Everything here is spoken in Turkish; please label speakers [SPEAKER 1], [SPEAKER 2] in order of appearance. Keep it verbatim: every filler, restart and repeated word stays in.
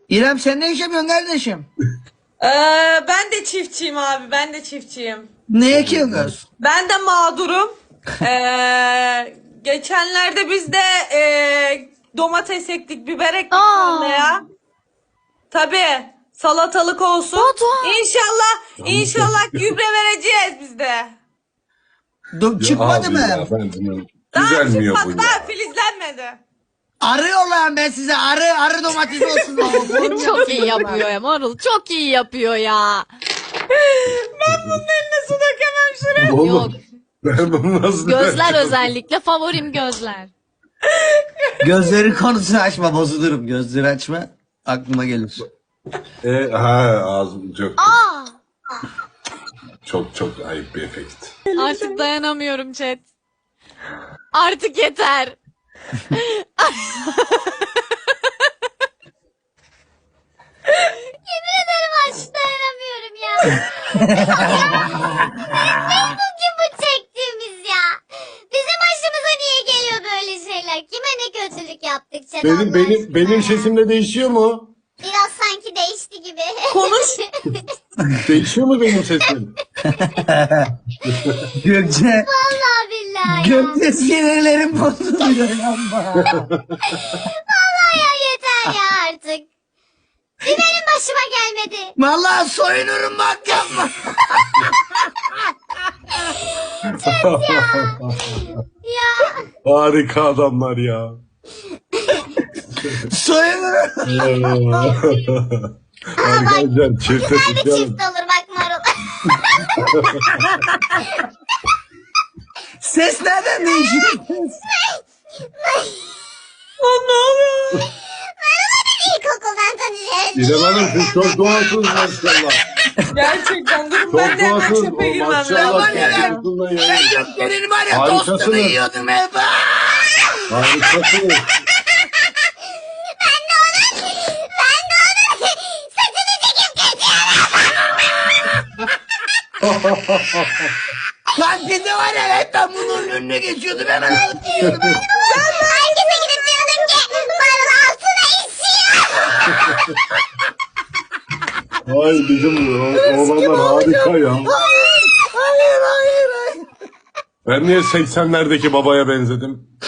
[SPEAKER 1] İrem sen ne iş yapıyorsun kardeşim?
[SPEAKER 2] Ee, ben de çiftçiyim abi. Ben de çiftçiyim.
[SPEAKER 1] Ne ekiyorsun?
[SPEAKER 2] Ben de mağdurum. Ee, geçenlerde biz de e, domates ektik, biber ektik tarlaya. Tabii. Salatalık olsun.
[SPEAKER 3] Batuhan.
[SPEAKER 2] İnşallah, inşallah gübre vereceğiz biz de.
[SPEAKER 1] Do- çıkmadı
[SPEAKER 4] Abi
[SPEAKER 1] mı?
[SPEAKER 4] ya, ben bunu-
[SPEAKER 2] Daha
[SPEAKER 4] Düzelmiyor bu
[SPEAKER 2] çıkmadı,
[SPEAKER 4] ya.
[SPEAKER 2] daha filizlenmedi.
[SPEAKER 1] Arıyorlar ben size arı arı domates olsun.
[SPEAKER 3] Çok iyi yapıyor ya Marul. Çok iyi yapıyor ya.
[SPEAKER 2] Ben bunun eline su dökemem şuraya.
[SPEAKER 4] Oğlum,
[SPEAKER 3] Yok.
[SPEAKER 4] ben bunu nasıl
[SPEAKER 3] Gözler özellikle favorim gözler.
[SPEAKER 1] Gözleri konusunu açma bozulurum. Gözleri açma aklıma gelir.
[SPEAKER 4] E, ha ağzım çok
[SPEAKER 3] Aa!
[SPEAKER 4] çok çok ayıp bir efekt.
[SPEAKER 3] Artık dayanamıyorum chat. Artık yeter. Yemin ederim artık dayanamıyorum ya. Ne bugün bu çektiğimiz ya? Bizim başımıza niye geliyor böyle şeyler? Kime ne kötülük yaptık chat
[SPEAKER 4] Benim
[SPEAKER 3] Allah
[SPEAKER 4] benim
[SPEAKER 3] aşkına
[SPEAKER 4] benim
[SPEAKER 3] ya?
[SPEAKER 4] sesim de değişiyor mu?
[SPEAKER 3] Biraz sanki değişti gibi.
[SPEAKER 2] Konuş.
[SPEAKER 4] Değişiyor mu benim sesim?
[SPEAKER 1] Gökçe.
[SPEAKER 3] Vallahi billahi ya.
[SPEAKER 1] Gökçe sinirlerim bozuluyor ama.
[SPEAKER 3] Vallahi ya yeter ya artık. Bir benim başıma gelmedi.
[SPEAKER 1] Vallahi soyunurum bak yapma.
[SPEAKER 3] Ya
[SPEAKER 4] Harika adamlar ya.
[SPEAKER 1] Soyunurum.
[SPEAKER 4] Arkadaşlar çifte
[SPEAKER 3] güzel bir
[SPEAKER 4] tutalım.
[SPEAKER 3] çift olur bak Marul.
[SPEAKER 1] Ses nereden değişiyor?
[SPEAKER 2] Lan ne oluyor?
[SPEAKER 3] İlkokuldan tanışıyoruz.
[SPEAKER 4] İrem Hanım siz çok doğalsınız maşallah.
[SPEAKER 2] Gerçekten durun
[SPEAKER 4] Çok
[SPEAKER 2] ben de hemen
[SPEAKER 4] doğalsınız.
[SPEAKER 2] çöpe girmem
[SPEAKER 4] Maşallah.
[SPEAKER 2] lazım ya.
[SPEAKER 4] Gerçekten ya.
[SPEAKER 1] Ben Gökçe'nin var ya
[SPEAKER 4] Harikasınız.
[SPEAKER 1] tostunu yiyordum hep.
[SPEAKER 4] Harikasınız.
[SPEAKER 3] Ben de onun, ben de onun saçını çekip kesiyorum.
[SPEAKER 1] Kantinde var ya hep ben bunun önüne geçiyordum hemen alıp yiyordum.
[SPEAKER 3] Herkese gidip diyordum ki Marul altına işiyor.
[SPEAKER 4] Ay bizim o- oğlanlar harika ya.
[SPEAKER 1] Hayır hayır hayır.
[SPEAKER 4] Ben niye seksenlerdeki babaya benzedim?